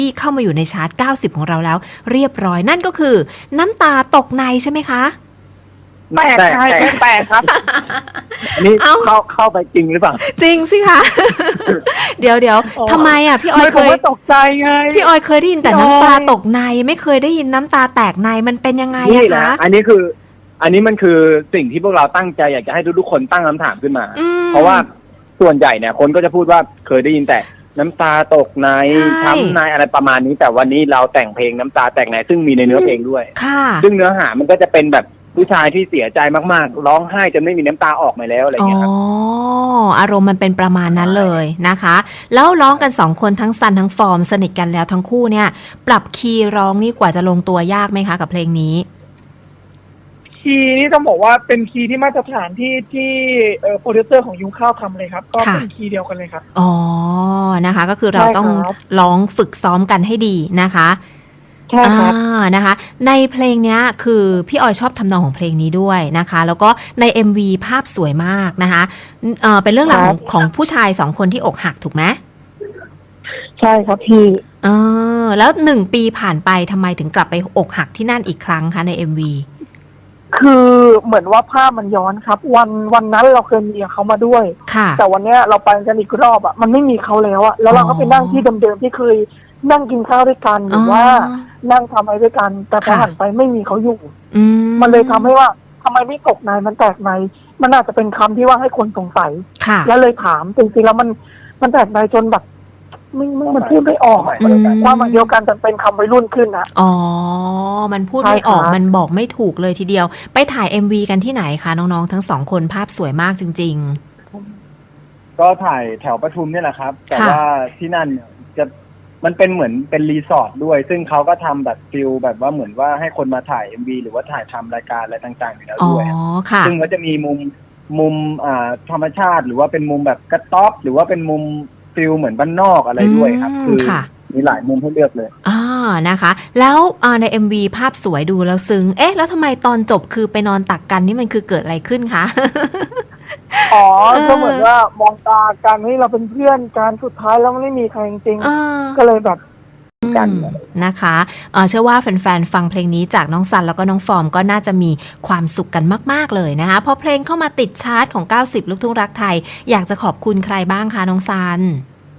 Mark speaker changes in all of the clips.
Speaker 1: ที่เข้ามาอยู่ในชาร์ต90ของเราแล้วเรียบร้อยนั่นก็คือน้ำตาตกในใช่ไหมคะ
Speaker 2: แตกใช่แตกครับอันนี้เข้าไปจริงหรือเปล่า
Speaker 1: จริงสิคะเดี๋ยวทำไมอ่ะพี่ออยเคย
Speaker 2: ตกใจไง
Speaker 1: พี่ออยเคยได้ยินแต่น้ำตาตกในไม่เคยได้ยินน้ำตาแตกในมันเป็นยังไงอะคะ
Speaker 2: อันนี้มันคือสิ่งที่พวกเราตั้งใจอยากจะให้ทุกๆคนตั้งคำถามขึ้นมาเพราะว่าส่วนใหญ่เนี่ยคนก็จะพูดว่าเคยได้ยินแต่น้ำตาตกในช้ำในอะไรประมาณนี้แต่วันนี้เราแต่งเพลงน้ำตาแตกในซึ่งมีในเนื้อเพลงด้วยซึ่งเนื้อหามันก็จะเป็นแบบผู้ชายที่เสียใจมากๆร้องไห้จนไม่มีน้ำตาออกมาแล้วอะไรอย่างเงี้ยครับ
Speaker 1: อารมณ์มันเป็นประมาณนั้นเลยนะคะแล้วร้องกัน2คนทั้งซันทั้งฟอร์มสนิทกันแล้วทั้งคู่เนี่ยปรับคีย์ร้องนี่กว่าจะลงตัวยากไหมคะกับเพลงนี้
Speaker 3: คีย์นี่ต้องบอกว่าเป็นคีย์ที่มาตรฐานที่โปรดิวเซอร์ของยุ้งข้าวทำเลยครับก็เป็นคีย์เดียวกันเลยครับ
Speaker 1: อ๋อนะคะก็คือเราต้องร้องฝึกซ้อมกันให้ดีนะคะ
Speaker 3: ใช่ครับ
Speaker 1: นะคะในเพลงนี้คือพี่ออยชอบทำนองของเพลงนี้ด้วยนะคะแล้วก็ใน MV ภาพสวยมากนะคะเป็นเรื่องราวของผู้ชาย2คนที่อกหักถูกไหม
Speaker 3: ใช่ครับพี่
Speaker 1: แล้ว1 ปีผ่านไปทำไมถึงกลับไปอกหักที่นั่นอีกครั้งคะใน MV
Speaker 3: คือเหมือนว่าภาพมันย้อนครับวันนั้นเราเคยมีเขามาด้วยแต่วันนี้เราไปกันอีกรอบอ่ะมันไม่มีเขาแล้วอ่ะแล้วเราก็ไปนั่งที่เดิมๆที่เคยนั่งกินข้าวด้วยกันหรือว่านั่งทำอะไรด้วยกันแต่พอหันไปไม่มีเขาอยู่มันเลยทำให้ว่าทำไมไม่ตกในมันแตกในมันอาจจะเป็นคำที่ว่าให้คนสงสัยแล้วเลยถามจริงๆแล้วมันแตกในจนแบบมันพูดไม่ออกว่ามันเดียวกันแต่เป็นคำวัยรุ่นขึ้นนะ
Speaker 1: มันพูดไม่ออกมันบอกไม่ถูกเลยทีเดียวไปถ่าย MV กันที่ไหนคะน้องๆทั้ง2คนภาพสวยมากจริง
Speaker 2: ๆก็ถ่ายแถวปทุมนี่แหละครับแต่ว่าที่นั่นจะมันเป็นเหมือนเป็นรีสอร์ทด้วยซึ่งเขาก็ทำแบบฟิลแบบว่าเหมือนว่าให้คนมาถ่าย MV หรือว่าถ่ายทำรายการอะไรต่างๆอยู่แล้วด้วยซึ่งก็จะมีมุมธรรมชาติหรือว่าเป็นมุมแบบกระต๊อบหรือว่าเป็นมุมฟิลเหมือนบ้านนอกอะไรด้วยครับคือมีหลายมุมให้เลือกเลย
Speaker 1: นะคะแล้วใน MV ภาพสวยดูแล้วซึ้งแล้วทำไมตอนจบคือไปนอนตักกันนี่มันคือเกิดอะไรขึ้นคะ
Speaker 3: ก็เหมือนว่ามองตากันให้เราเป็นเพื่อนกันสุดท้ายแล้วไม่มีใครจริงๆก็เลยแบบ
Speaker 1: กันนะคะเชื่อว่าแฟนๆฟังเพลงนี้จากน้องซันแล้วก็น้องฟอร์มก็น่าจะมีความสุขกันมากๆเลยนะคะพอเพลงเข้ามาติดชาร์ตของ90ลูกทุ่งรักไทยอยากจะขอบคุณใครบ้างคะน้องซัน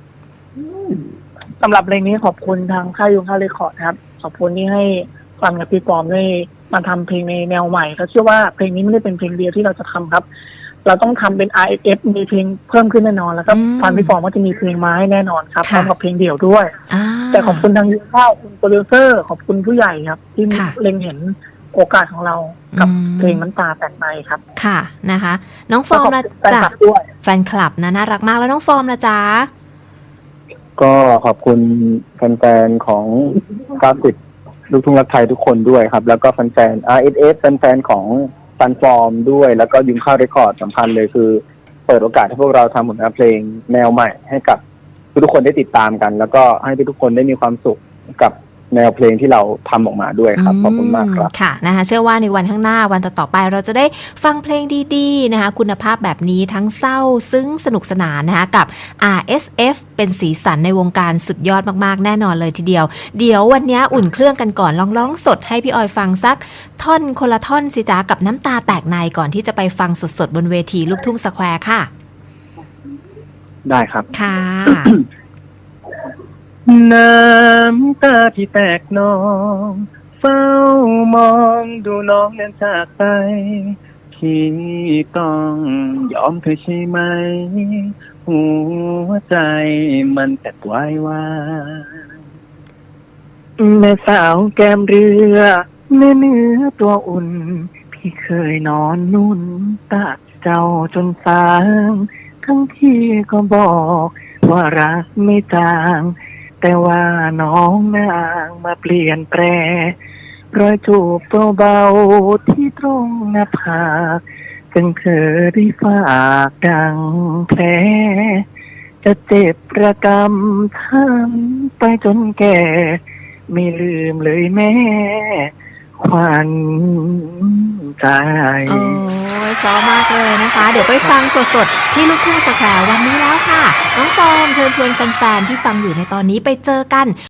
Speaker 3: สำหรับเพลงนี้ขอบคุณทางค่ายยุงข้าวเรคคอร์ดครับขอบคุณที่ให้ฟังกับพี่ฟอร์มได้มาทำเพลงในแนวใหม่เขาเชื่อว่าเพลงนี้ไม่ได้เป็นเพลงเดียวที่เราจะทำครับเราต้องทำเป็น RFF มีเพลงเพิ่มขึ้นแน่นอนแล้วก็ฟันพี่ฟอร์มก็จะมีเพลงมาให้แน่นอนครับพร้อมกับเพลงเดี่ยวด้วยแต่ขอบคุณทางยุงข้าวคุณโปรดิวเซอร์ขอบคุณผู้ใหญ่ครับที่เล็งเห็นโอกาสของเรากับเพลงน้ำตาแตกในครับ
Speaker 1: ค่ะนะคะน้องฟอร์มนะจ๊ะแฟนคลับนะน่ารักมากแล้วน้องฟอร์มนะจ๊ะ
Speaker 2: ก็ขอบคุณแฟนๆของ90ลูกทุ่งรักไทยทุกคนด้วยครับแล้วก็แฟนๆ RSF แฟนๆของซันฟอร์มด้วยแล้วก็ยุงข้าวเรคคอร์ดสำคัญเลยคือเปิดโอกาสให้พวกเราทำผลงานเพลงแนวใหม่ให้กับทุกคนได้ติดตามกันแล้วก็ให้ทุกคนได้มีความสุขกับแนวเพลงที่เราทำออกมาด้วยครับขอบคุณมากครับ
Speaker 1: ค่ะนะคะเชื่อว่าในวันข้างหน้าวันต่อๆไปเราจะได้ฟังเพลงดีๆนะคะคุณภาพแบบนี้ทั้งเศร้าซึ้งสนุกสนานนะคะกับ RSF เป็นสีสันในวงการสุดยอดมากๆแน่นอนเลยทีเดียวเดี๋ยววันนี้อุ่นเครื่องกันก่อนลองร้องสดให้พี่ออยฟังสักท่อนคนละท่อนสิจ๊ะกับน้ำตาแตกในก่อนที่จะไปฟังสดๆบนเวทีลูกทุ่งสแควร์ค่ะ
Speaker 2: ได้ครับ
Speaker 1: ค่ะ
Speaker 2: น้ำตาที่แตกนองเฝ้ามองดูน้องเดินจากไปที่ต้องยอมเธอใช่ไหมหัวใจมันแตกวายวายแม่สาวแก้มเรือแม่เนื้อตัวอุ่นพี่เคยนอนนุ่นตักเจ้าจนสางทั้งที่ก็บอกว่ารักไม่จางแต่ว่าน้องนางมาเปลี่ยนแปลรอยจูบเบาๆที่ตรงหน้าผากจึงเธอได้ฝากดังแผลจะเจ็บระกำทั้งไปจนแก่ไม่ลืมเลยแม่ขวัญใจ
Speaker 1: เพราะมากเลยนะคะเดี๋ยวไปฟังสดๆที่ลูกทุ่งสแควร์วันนี้แล้วค่ะน้องฟอร์มเชิญชวนแฟนๆที่ฟังอยู่ในตอนนี้ไปเจอกัน